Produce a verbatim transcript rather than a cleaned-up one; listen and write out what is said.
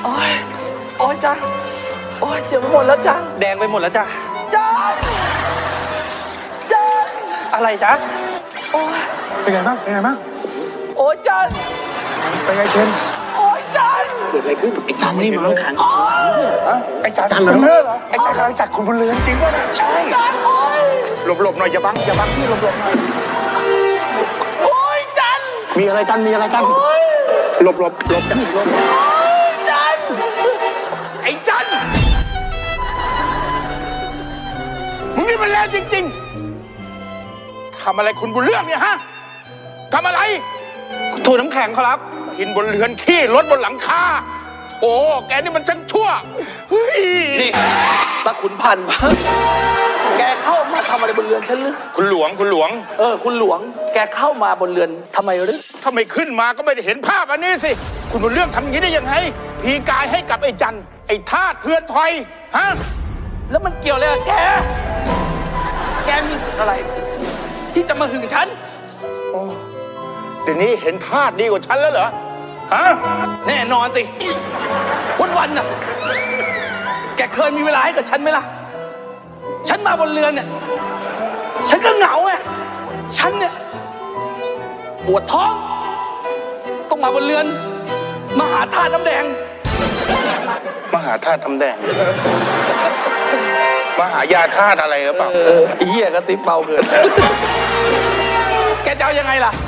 โอ้ยโอ้ยจันโอ้ยเสียไปหมดแล้วจันแดงไปหมดแล้วจ้ะจันจันอะไรจ๊ะโอ้ยเป็นไงบ้างเป็นไงบ้างโอ้ยจันเป็นไงเคนโอ้ยจันเกิดอะไรขึ้นไอ้จันนี่มันขังไอ้จันจันเหรอเหรอไอ้จันกำลังจัดคุณบุญเรือนจริงป่ะใช่หลบหลบหน่อยอย่าบังอย่าบังพี่หลบหลบหน่อยโอ้ยจันมีอะไรกันมีอะไรกันหลบหลบหลบจันหลบจันไอ้จันมึงนี่มันแรงจริงๆทำอะไรคุณบุญเรื่องเนี่ยฮะทำอะไรถูน้ำแข็งครับกินบนเรือนขี้รถบนหลังคาโอ้แกนี่มันช่างชั่วเฮ้ยนี่ตาขุนพันธ์แกเข้ามาทำอะไรบนเรือนฉันหรือคุณหลวงคุณหลวงเออคุณหลวงแกเข้ามาบนเรือนทำไมหรือถ้าไม่ขึ้นมาก็ไม่ได้เห็นภาพอันนี้สิคุณบุญเรื่องทำอย่างนี้ได้ยังไงพีกายให้กับไอ้จันไอ้ท่าเทือนถอยฮะแล้วมันเกี่ยวอะไรกับแกแกมีสิทธิ์อะไรที่จะมาหึงฉันโอ้เดี๋ยวนี้เห็นท่าดีกว่าฉันแล้วเหรอฮะแน่นอนสิวันวันน่ะแกเคยมีเวลาให้กับฉันไหมล่ะฉันมาบนเรือนเนี่ยฉันก็เหงาไงฉันเนี่ยปวดท้องต้องมาบนเรือนมาหาท่าน้ำแดงมาหาท่าน้ำแดงมาหายาธาตุอะไรหรือเปล่าเออเหี้ยกระซิบเบาเกินแกจะเอายังไงล่ะ